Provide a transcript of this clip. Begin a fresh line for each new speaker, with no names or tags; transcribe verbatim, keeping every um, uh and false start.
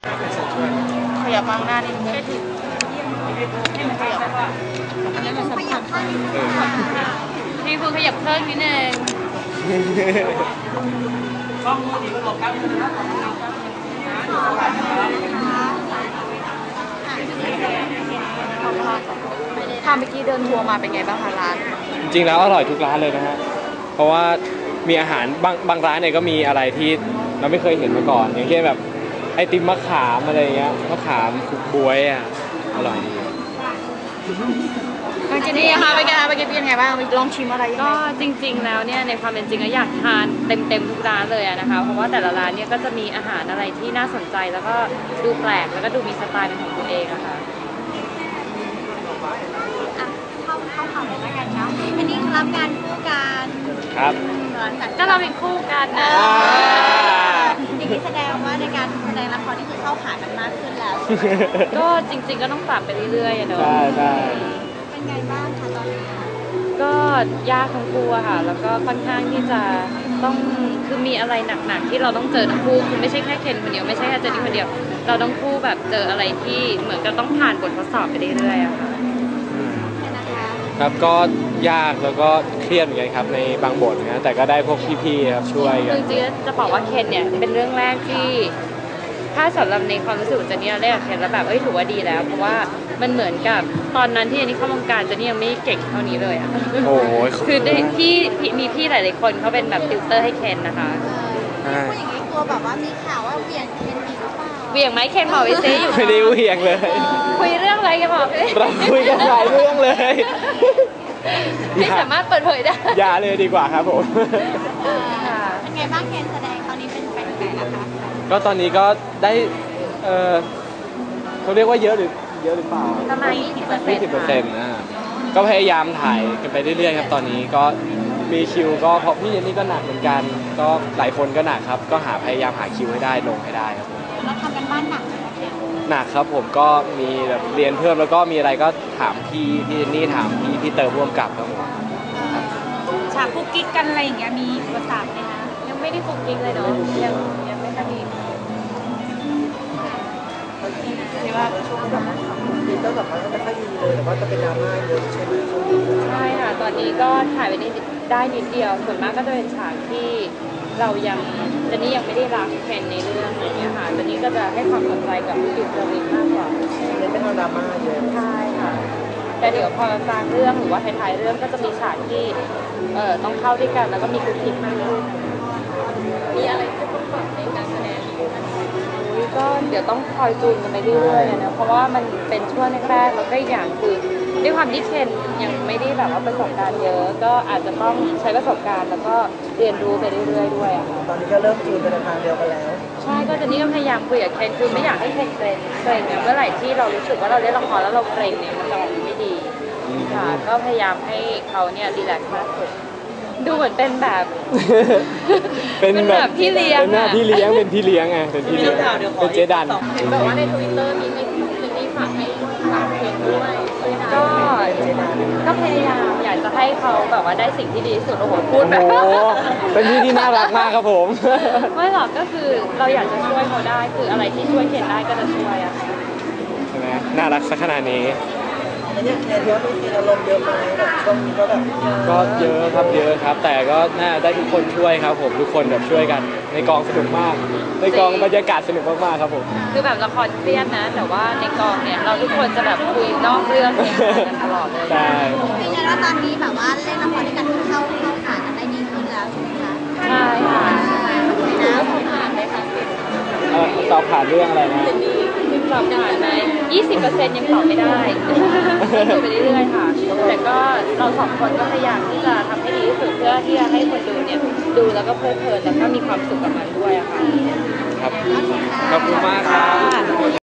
ขยับมางหน้านิดนึงให้มันขยับให้มันขยับข้างนิดนึงพี่คุณขยับเครื่องนิดนึงช่องมือดีก็บอกกันนะครับถ้าเมื่อกี้เดินทัวร์มาเป็นไงบ้างคะร้าน
จริงๆแล้วอร่อยทุกร้านเลยนะฮะเพราะว่ามีอาหารบางบางร้านเนี่ยก็มีอะไรที่เราไม่เคยเห็นมาก่อนอย่างเช่นแบบไอติมมะขามอะไรเงี้ยมะขามคุกบวยอ่ะอร่อยดี
บางทีนี่ค่ะเป็นไงคะเป็นไงบ้างลองชิมอะไร
ก็จริงๆแล้วเนี่ยในความเป็นจริงก็อยากทานเต็มๆทุกร้านเลยนะคะเพราะว่าแต่ละร้านเนี่ยก็จะมีอาหารอะไรที่น่าสนใจแล้วก็ดูแปลกแล้วก็ดูมีสไตล์เป็นของตัวเองอะค่ะ
เข้าเข้าข่าวเลยแล้วกันเนาะอันนี้รับงานคู่กัน
ครับ
ก็เราเป็นคู่กันนะ
อย่างนี้แสดงว่าในการแสดงละครนี่คือเข้าขากันมากขึ้นแล้ว
ก็จริงๆก็ต้องปรับไปเรื่อยๆเนาะ
ใช่ใช่
เป็นไงบ้างคะตอนนี้
ก็ยากทั้งคู่อะค่ะแล้วก็ค่อนข้างที่จะต้องคือมีอะไรหนักๆที่เราต้องเจอทั้งคู่คือไม่ใช่แค่เคนคนเดียวไม่ใช่แค่เจนนี่คนเดียวเราต้องคู่แบบเจออะไรที่เหมือนกับต้องผ่านบททดสอบไปเรื่อยๆอะค่ะ
ครับก็ยากแล้วก็เครียดเหมือนกันครับในบางบทนะแต่ก็ได้พวกพี่ๆครับช่วยกัน
จริงๆจะบอกว่าเคนเนี่ยเป็นเรื่องแรกที่ถ้าสำหรับในความรู้สึกของเจนนี่เราได้กับเคนแล้วแบบเอ้ยถือว่าดีแล้วเพราะว่ามันเหมือนกับตอนนั้นที่เจนนี่เข้าวงการเจนนี่ยังไม่เก่งเท่านี้เลยอะ
โอ้ย
คือได้พี่มีพี่หลายๆคนเขาเป็นแบบติวเตอร์ให้เคนนะคะ
พูดอย่างนี้กลัวแบบว่ามีข่าวว่าเบี่ยงเคนอีกหรือเปล่า
เบี่ยงไหมเคนบอกไปซิอยู่
ไม่ได้เบี่ยงเลย
คุยเรื่องอะไรกันบอก
เราคุยกันหลายเรื่องเลย
ไม่สามารถเปิดเผยได้
อย่าเลยดีกว่าครับผม
เป็นไงบ้างเคนแสดงตอนนี้เป็นไปถึงไหนแล้วคะ
ก็ตอนนี้ก็ได้เออเขาเรียกว่าเยอะหรือเยอะหรือเปล่า
ประมาณยี่สิบเปอร์เซ็นต์
ยี่สิบเปอร์เซ็นต์นะก็พยายามถ่ายกันไปเรื่อยๆครับตอนนี้ก็มีคิวก็เพราะพี่เจนนี่ก็หนักเหมือนกันก็หลายคนก็หนักครับก็หาพยายามหาคิวให้ได้ลงให้ได้ครับ
เราทำกันบ้านหนัก
หนักครับผมก็มีแบบเรียนเพิ่มแล้วก็มีอะไรก็ถามพี่พี่เจนนี่ถามพี่พี่เติมร่วมกับครับผม
ฉากคุกกิ๊กกันอะไรอย่างเงี้ยมีอุปสรรคไหมคะ
ยังไม่ได้คุกกิ๊กเลยเนาะยังยังไม่ค่อยมี
ที่ว่าช่วงแบบดีก็แบบว่าไม่ค่อยดีเลยแต่ว่าจะเป็นดราม่าเยอะใช่ไหม
ใช่ค่ะตอนนี้ก็ถ่ายไปได้ได้นิดเดียวส่วนมากก็จะเป็นฉากที่เรายังเจนนี่ยังไม่ได้รักเคนในเรื่องอะไรเงี้ยค่ะเจนนี่ก็จะให้ความสนใจกับผู้ติดเรื่องนี้มากกว่า
เน้นเป็นดราม่าเยอะ
ใช่ค่ะแต่เดี๋ยวพอกลางเรื่องหรือว่าท้ายๆเรื่องก็จะมีฉากที่เอ่อต้องเข้าด้วยกันแล้วก็มีคุกคิดมากขึ้นมีอะไรที่ต้องปรับในการแสดงก็เดี๋ยวต้องคอยจูนกันไปเรื่อยๆนะเพราะว่ามันเป็นช่วงแรกๆแล้วก็อย่างคือด้วยความที่เคนยังไม่ได้แบบว่าประสบการณ์เยอะก็อาจจะต้องใช้ประสบการณ์แล้วก็เรียนรู้ไปเรื่อยๆด้วยอะค่ะ
ตอนนี้ก็เริ่มจูนไปในทางเดียวกันแล้ว
ใช่ก็จะนี่ก็พยายามคุยกับเคนคือไม่อยากให้เคนเกรงเกรงเนี่ยเมื่อไหร่ที่เรารู้สึกว่าเราเล่นละครแล้วเราเกรงเนี่ยมันจะออกมาไม่ดีค่ะก็พยายามให้เขาเนี่ยรีแลกซ์มากขึ้นดูเหมือนเป็นแบบ
เป็นแบบ
พี่เลี้ยง
เป็นหน้าพี่เลี้ยงเป็นพี่เลี้ยงไงเป็นพี่เลี้ยงเป็นเจดัน
เห็นบอกว่าในทวิตเตอร์มีไม่มีนี่ฝากให้ฝากเพลงด้วยก็ก็พยายามอยากจะให้เขาแบบว่าได้สิ่งที่ดีที่สุดโอ้โหพูดแบบ
เป็นพี่ที่น่ารักมากครับผม
ไม่หรอกก็คือเราอยากจะช่วยเขาได้คืออะไรที่ช่วยเคนได้ก็จะช่วยอะ
ใช่ไหมน่ารักสักขนาดนี้
เนี่ยแค่ที่ว่ามีอารมณ์เยอะไหมแบบช่วงนี้ก็แบบ
ก็เยอะครับเยอะครับแต่ก็น่าได้ทุกคนช่วยครับผมทุกคนแบบช่วยกันในกองสนุกมากในกองบรรยากาศสนุกมากๆครับผม
คือแบบละครเครียดนะแต่ว่าในกองเนี่ยเราทุกคนจะแบบคุยนอกเรื่องกันตลอดเลย
ใช่
ยืนยันว่าตอนนี้แบบว่าเล่นละครด้วยกันเข้าเข้าขากันได้ดีขึ้นแล้วใช่ไหมคะ
ใช่ค่ะแล้วสอบผ่านไหมคะ
สอบผ่านเรื่องอะไรนะ
สอบผ่านไหมยี่สิบเปอร์เซ็นต์ยังตอบไม่ได้ดูไปเรื่อยๆค่ะแต่ก็เราสองคนก็พยายามที่จะทำให้ดีที่สุดเพื่อที่จะให้คนดูเนี่ยดูแล้วก็เพลิดเพลินแล้วก็มีความสุขกับมันด้วยอะค่ะ
ครับขอบคุณมากครับ